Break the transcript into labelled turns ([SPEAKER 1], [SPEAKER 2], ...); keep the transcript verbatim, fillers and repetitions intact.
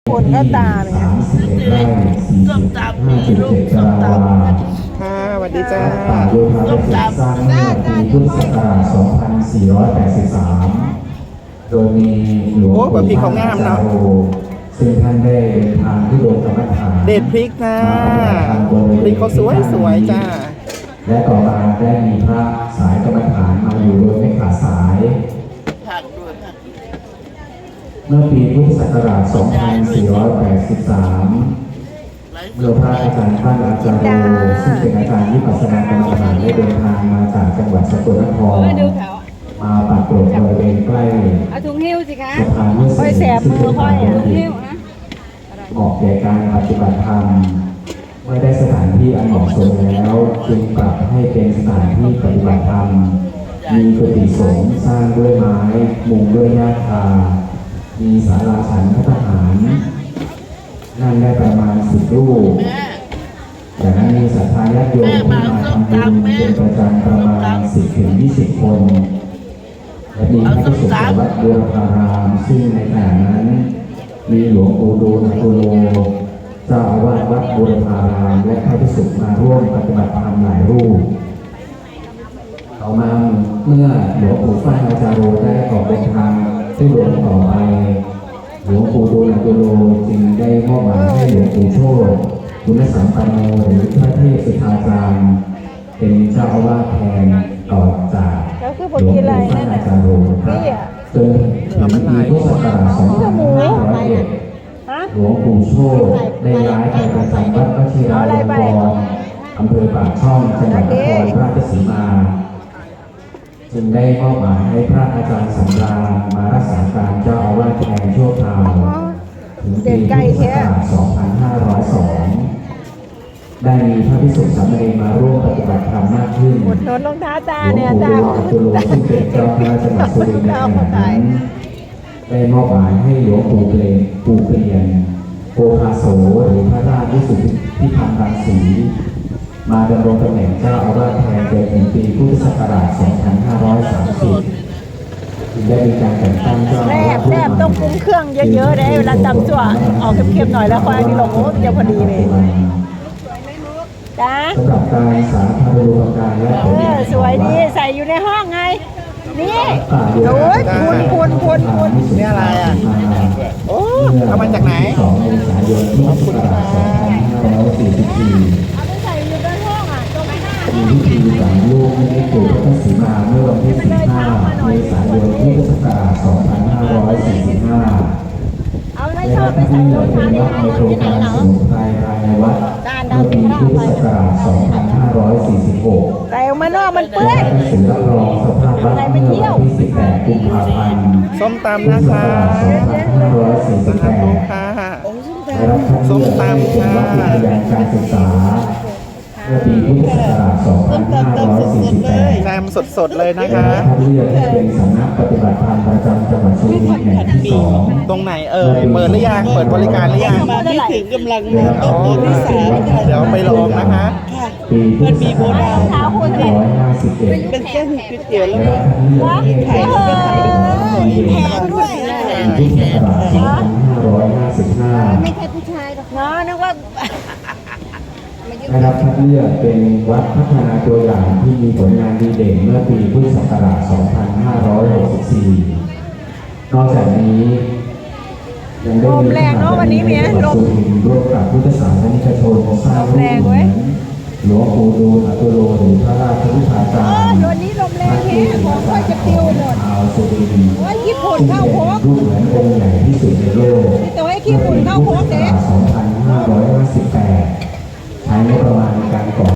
[SPEAKER 1] คนก็ตาเนี่ย
[SPEAKER 2] ส้มตำมีลูกส้มตำ
[SPEAKER 3] ค่ะสวัสดีจ้า
[SPEAKER 2] ส้มตำ
[SPEAKER 4] สร้างเมื่อปีพุทธศักราชสองพันสี่ร้อยแปดสิบสามโดยมีหลวงปู่มั่นอาจารย์โรซึ่งท่านได้เดินทางที่โดงกรรมฐาน
[SPEAKER 3] เด็ดพริกนะพริกเขาสวยสวยจ้า
[SPEAKER 4] และต่อมาได้มีพระสายกรรมฐานมาอยู่โดยไม่ขาดสาย
[SPEAKER 2] ผักด้วยผัก
[SPEAKER 4] เมื่อปีพุทธศักราชสองพันสี่ร้อยแปดสิบสามเมื่อพระอาจารย์ท่านอาจารย์โรซึ่งเป็นอาจารย์วิปัสสนากรรมฐานได้เดินทางมาจากจังหวัดสกลนครมาปรากฏบริเวณใกล้
[SPEAKER 1] เอาถุงหิ้วสิคะ
[SPEAKER 4] สะพานมุส
[SPEAKER 1] ค่อยแส
[SPEAKER 4] ลิ
[SPEAKER 1] บ
[SPEAKER 4] มซึ่ง
[SPEAKER 1] มือ
[SPEAKER 4] เป็น
[SPEAKER 1] ค่อ
[SPEAKER 4] ทาย ง
[SPEAKER 1] อ่ะ
[SPEAKER 4] เดินดินเหมาะแก่การปฏิบัติธรรมเมื่อได้สถานที่อันเหมาะสมแล้วจึงปรับให้เป็นสถานที่ปฏิบัติธรรมมีกุฏิสงฆ์สร้างด้วยไม้มุงด้วยหญ้าคามีศาลาฉันพระทหารนั่งได้ประมาณสิบรูปจากนั้นมีศรัทธาญาติโยมที่มาทำบุญเป็นประจำประมาณสิบถึงยี่สิบคนและมีพระภิกษุจากวัดบัวพารามซึ่งในขณะนั้นมีหลวงปู่ดูลย์อตุโลเจ้าอาวาสวัดบัวพารามและพระภิกษุมาร่วมปฏิบัติธรรมหลายรูปต่อมาเมื่อหลวงปู่ฟั่นอาจารย์โรได้ออกเดินทางที่หลวงต่อไปหลวงปู่ดูลย์อตุโลจึงได้มอบหมายให้หลวงปู่โชติคุณสัมปันโนหรือพระเทพสุทธาจารย์เป็นเจ้าอาวาสแทนต่อจากหลวงปู่ฟั่นอาจารย์โรครับจนถึงปีพุทธศักราชสองพันห้าร้อยเอ็ดหลวงปู่โชติได้ย้ายไปประจำวัดวชิรายงกรอำเภอปากช่องจังหวัดนครราชสีมาจึงได้มอบหมายให้พระอาจารย์สำราญมารักษาการเจ้าอาวาสแทนชั่วคราวถึงปีพุทธศักราชสองพันห้าร้อยสองได้มีพระภิกษุสามเณรมาร่วมปฏิบัติธรรมมากขึ้น
[SPEAKER 1] หมดโนนรองเท้าตา
[SPEAKER 4] หลว
[SPEAKER 1] เนี่ย
[SPEAKER 4] ง
[SPEAKER 1] ตา
[SPEAKER 4] ปู่ดูลย์อตุโลซึ่งเป็นเจ้าคณะจังหวัดสุรินทร์ในขณะนั้นได้มอบหมายให้หลวงปู่เปลนปู่เปลี่ยนโกภาโสหรือพระราชวิสุทธิธรรมรังสีมาดำรงตำแหน่งเจ้าอาวาสแทนจนถึงปีพุทธศักราชสองพันห้าร้อยสามสิบจึงได้มีการแต่งตั้งเจ้า
[SPEAKER 1] แร
[SPEAKER 4] อาวา
[SPEAKER 1] บ
[SPEAKER 4] ส
[SPEAKER 1] แรบต้องปรุงเครื่องเยอะๆเลยเวลาตำจั่วออกเค็มๆหน่อยแล้วค่อยอันนี้ลงโอ้จะพอดีเลยจ้า
[SPEAKER 4] สำหรับการสาธารณูปการและผล
[SPEAKER 1] เออสวยดีใส่อยู่ในห้องไงนี่โอ้ยพูนพูนพูนพูน
[SPEAKER 3] นี่อะไรอ่ะโอ้เอามาจากไหน
[SPEAKER 4] สองเมษายนพุทธศักราชสองพันห้าร้อยสี่สิบสี่
[SPEAKER 1] เอาไปใส่อยู่ในห้องอ่ะตรงหน้า
[SPEAKER 4] มีพิธีฝังลูกให้ปู่พระศรีมาเมื่อวันที่สิบห้าเมษายนพุทธศักราชสองพันห้าร้อยสี่สิบห้า
[SPEAKER 1] เอาใน
[SPEAKER 4] และ
[SPEAKER 1] ช่องไป
[SPEAKER 4] ที่
[SPEAKER 1] ใส่ร
[SPEAKER 4] เหลื
[SPEAKER 1] อ
[SPEAKER 4] อง เป็
[SPEAKER 1] เท้าน
[SPEAKER 4] วั
[SPEAKER 1] ที่
[SPEAKER 4] ด
[SPEAKER 1] ไหน
[SPEAKER 4] ใน
[SPEAKER 1] เหรอ
[SPEAKER 4] โครงการสมุนไพรภายในวัดเมื่อปีพุทธศักราชสองพันห้าร้อยสี่สิบหก
[SPEAKER 1] ใส่ออกมานอกมันเปื้
[SPEAKER 4] และ
[SPEAKER 1] อน
[SPEAKER 4] หนังสือรับรองสภาพวัดเมื่อวันที่สิบแปดกุมภาพันธ์
[SPEAKER 3] ส้มตำ
[SPEAKER 4] พุท
[SPEAKER 3] นะ
[SPEAKER 4] ธศัก
[SPEAKER 3] คะ
[SPEAKER 4] ราชสองพันห้าร้อยสี่สิบแปด
[SPEAKER 3] ค่ะ
[SPEAKER 4] ได้รับคัดเลือกให้เป็นวัดอุทยานการศึกษาเมื่อปีพุทธศักราชสองพันห้าร้อยสี่สิบแปด
[SPEAKER 3] แซมสดๆเลยนะ
[SPEAKER 4] ได้
[SPEAKER 3] คะ
[SPEAKER 4] รับคัดเลือกให้เป็นสำนักปฏิบัติธรรมประจำจังหวัดสุรินทร์แห่งที่สอง
[SPEAKER 3] ตรงไหนเอ่ยเปิดหรือยังเปิดบริการหรือยัง
[SPEAKER 2] มาไม่ถึงกำลังมาต้นเดือนที่สามค่ะ
[SPEAKER 3] เดี๋ยวไปลองนะคะ
[SPEAKER 4] ปีพุทธศักราชสองพันห้าร้อยห้าสิบเอ็ด
[SPEAKER 2] เป็นเส้นก๋วยเตี๋ยวแล้ว
[SPEAKER 4] ได้รับคัดเลือกให้เป็นสำนักปฏิบัติธรรมประจำจังหวัดสุรินทร์
[SPEAKER 1] ด้วย
[SPEAKER 4] ปีพุทธศักราชสองพันห้าร้อยห้าสิบห้า
[SPEAKER 1] ไม่ใช่ผู้ชายหรอกเนาะนึกว่า
[SPEAKER 4] ได้รับคัดเลือกเป็นวัดพัฒนาตัวอย่างที่มีผลงานดีเด่นเมื่อปีพุทธศักราชสองพันห้าร้อยหกสิบสี่ นอกจากนี้ยังได้มีการจัดงานในจังหวัดสุรินทร์ร่วมกับพุทธศาสนิกชนสร้างรูปเหมือนหลวงปู่ดูลย์อตุโลหรือพระราชวิชาจารย์
[SPEAKER 1] วันนี้ลมแรงแท้ของค่อยจะปิวหมด
[SPEAKER 4] ชาวสุรินทร์
[SPEAKER 1] โอ้ยญี่ปุ่น
[SPEAKER 4] ซึ่ง
[SPEAKER 1] เข้า
[SPEAKER 4] เป็
[SPEAKER 1] โค้
[SPEAKER 4] น
[SPEAKER 1] ง
[SPEAKER 4] รูปเหมือนองค์ใหญ่ที่สุดในโลก
[SPEAKER 1] แต่ว่าไอ้ขี้ฝุ่นเข้าโค้งเด็ก
[SPEAKER 4] สองพันห้าร้อยห้าสิบแปดใช้งบป